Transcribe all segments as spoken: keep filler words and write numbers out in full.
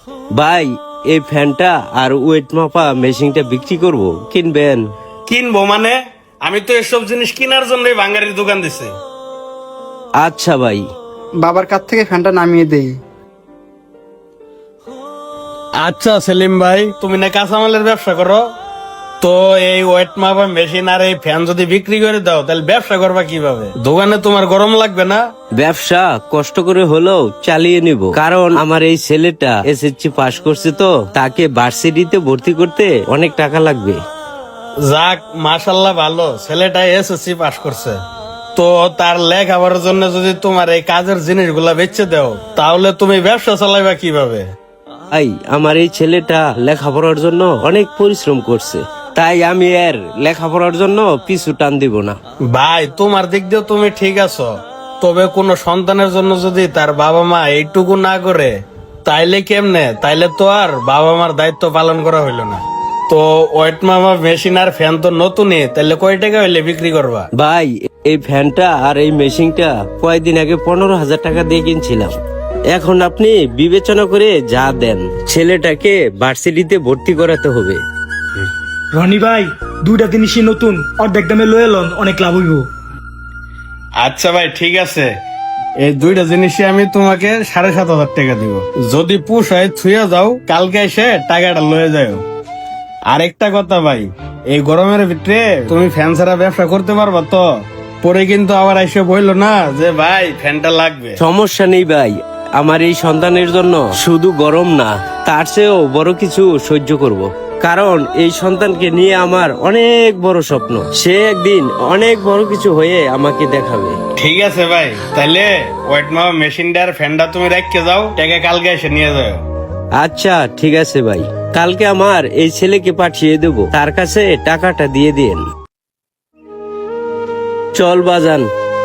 ভাই, এই ফ্যানটা আর ওয়েট মাপা মেশিনটা বিক্রি করব, কিনবেন? কিনবো মানে? আমি তো এসব জিনিস কেনার জন্যই বাঙালির দোকান দিছি। আচ্ছা ভাই। বাবার কাছ থেকে ফ্যানটা নামিয়ে দেই। আচ্ছা সেলিম ভাই, তুমি না কাঁচামালের ব্যবসা করো, তো এই ওয়েট মাপা মেশিন আর এই ফ্যান যদি বিক্রি করে দাও তাহলে ব্যবসা করবা কিভাবে? দোকানে তোমার গরম লাগবে না? ব্যবসা কষ্ট করে হলেও চালিয়ে নিব, কারণ আমার এই ছেলেটা এসএসসি পাশ করছে, তো তাকে ভার্সিটিতে ভর্তি করতে অনেক টাকা লাগবে। যাক, মাশাল্লাহ, ভালো ছেলেটা এসএসসি পাশ করছে, তো তার লেখাপড়ার জন্য যদি তোমার এই কাজের জিনিসগুলা বেচে দাও তাহলে তুমি ব্যবসা চালাইবা কিভাবে? ভাই, আমার এই ছেলেটা লেখাপড়ার জন্য অনেক পরিশ্রম করছে, তাই আমি এর লেখাপড়ার জন্য পিছু টান দিব না। ভাই, তোমার দিক দিয়ে তুমি ঠিক আছো, তবে কোন সন্তানের জন্য যদি তার বাবা মা এইটুকু না করে তাইলে কেমনে? তাইলে তো আর বাবা মার দায়িত্ব পালন করা হইলো না। তো ওয়েট মামা মেশিন আর ফ্যান তো নতুনই, তাইলে কয় টাকা হইলে বিক্রি করবা? ভাই, এই ফ্যানটা আর এই মেশিনটা কয়েকদিন আগে পনেরো হাজার টাকা দিয়ে কিনছিলাম। এখন আপনি বিবেচনা করে যা দেন, ছেলেটাকে ভার্সিটিতে ভর্তি করাতে হবে। রনি ভাই, দুইটা জিনিসই নতুন, অর্ধেক দামে লয়ে লন, অনেক লাভ হইব। আচ্ছা ভাই, ঠিক আছে, এই দুইটা জিনিসই আমি তোমাকে সাড়ে সাত হাজার টাকা দিব। যদি পুষায় থুয়ে যাও, কালকে এসে টাকাটা লয়ে যাও। আরেকটা কথা ভাই, এই গরমের ভিতরে তুমি ফ্যান ছাড়া ব্যবসা করতে পারবা তো? পরে কিন্তু আবার এসে বললো না যে ভাই ফ্যানটা লাগবে। সমস্যা নেই ভাই, আমার এই সন্তানের জন্য শুধু গরম না, তার চেয়েও বড় কিছু সহ্য করব। কারণ এই সন্তানকে নিয়ে আমার অনেক বড় স্বপ্ন, সে একদিন অনেক বড় কিছু হয়ে আমাকে দেখাবে। ঠিক আছে ভাই, তাহলে ওয়েট মাপা মেশিনটা আর ফ্যানটা তুমি রেখে যাও, টাকা কালকে এসে নিয়ে যাও। আচ্ছা ঠিক আছে ভাই, কালকে আমার এই ছেলেকে পাঠিয়ে দেব, তার কাছে টাকাটা দিয়ে দিন। চল বাজান।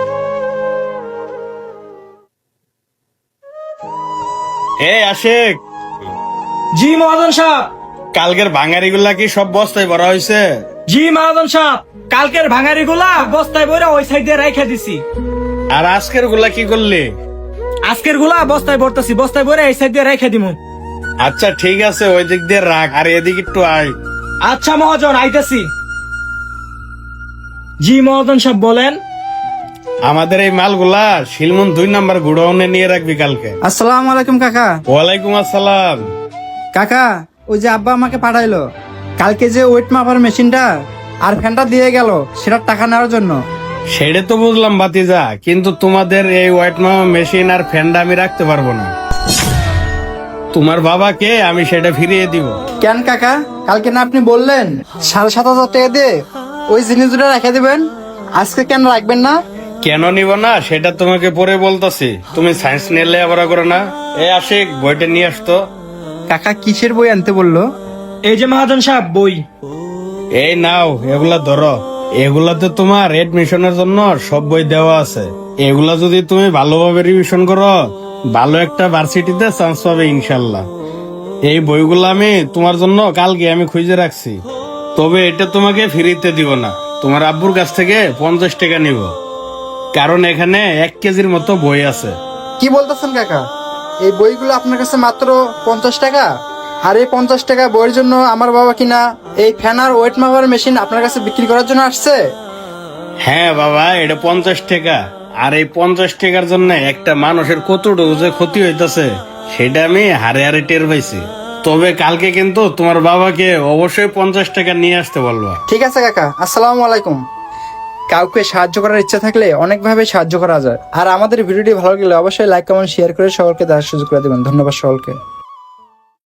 এ আশিক, জি মহাজন সাহেব। কালকের ভাঙারি গুলা কি সব বস্তায় ভরা হয়েছে? জি মহাজন সাহেব, কালকের ভাঙারি গুলা বস্তায় বইরা ওই সাইড দিয়ে রাইখা দিছি। আর আজকের গুলা কি করলি? আজকের গুলা বস্তায় ভরতাছি, বস্তায় বইরা এই সাইড দিয়ে রাইখা দিমু। আচ্ছা ঠিক আছে, ওই দিক দিয়ে রাখ, আর এদিক একটু আয়। আচ্ছা মহাজন, আইতাছি। জি মহাজন সাহেব, বলেন। আমাদের এই মালগুলা শিলমন দুই নাম্বার গুডাউনে নিয়ে রাখবি কালকে। আসসালামু আলাইকুম কাকা। ওয়ালাইকুম আসসালাম। কাকা, ওই যে আব্বা আমাকে পাঠাইলো কালকে যে ওয়েট মাপার মেশিনটা আর ফ্যানটা দিয়ে গেল, সেটার টাকা নেওয়ার জন্য। সেটা তো বুঝলাম বাতিজা, কিন্তু তোমাদের এই ওয়েট মামা মেশিন আর ফ্যানটা আমি রাখতে পারবো না। তোমার বাবাকে আমি সেটা ফিরিয়ে দিব। কেন কাকা, কালকে না আপনি বললেন সাড়ে সাত হাজার টাকা দিয়ে ওই জিনিস দুটো রেখে দিবেন, আজকে কেন রাখবেন না? কেন নিব না সেটা তোমাকে পরে বলতাছি, তুমি সায়েন্স নিয়ে লেখাপড়া করো না? এই আশিক, বইটা নিয়ে আসতো। কাকা কিসের বই আনতে বললো? এই যে মহাজন সাহেব, বই। এই নাও, এগুলা ধরো। এগুলাতে তোমার এডমিশনের জন্য সব বই দেওয়া আছে। এগুলা যদি তুমি ভালোভাবে রিভিশন করো, ভালো একটা ভার্সিটিতে চান্স পাবে ইনশাল্লাহ। এই বইগুলো আমি তোমার জন্য কালকে আমি খুঁজে রাখছি, তবে এটা তোমাকে ফ্রিতে দিব না, তোমার আব্বুর কাছ থেকে পঞ্চাশ টাকা নিব, কারণ এখানে এক কেজির মতো বই আছে। কি বলতেছেন কাকা, এই বইগুলো আপনার কাছে মাত্র পঞ্চাশ টাকা? আর এই পঞ্চাশ টাকা বইয়ের জন্য আমার বাবা কিনা এই ফ্যান আর ওয়েট মাপার মেশিন আপনার কাছে বিক্রি করার জন্য আসছে? হ্যাঁ বাবা, এটা পঞ্চাশ টাকা, আর এই পঞ্চাশ টাকার জন্য একটা মানুষের কতটুকু যে ক্ষতি হইতেছে সেটা আমি হারে হারে টের পাইছি। তবে কালকে কিন্তু তোমার বাবাকে অবশ্যই পঞ্চাশ টাকা নিয়ে আসতে বলবা। ঠিক আছে কাকা, আসসালামু আলাইকুম। কাউকে সাহায্য করার ইচ্ছা থাকলে অনেকভাবে সাহায্য করা যায়। আর আমাদের ভিডিওটি ভালো লাগলে অবশ্যই লাইক কমেন্ট শেয়ার করে সকলকে দেখার সুযোগ করে দেবেন। ধন্যবাদ সকলকে।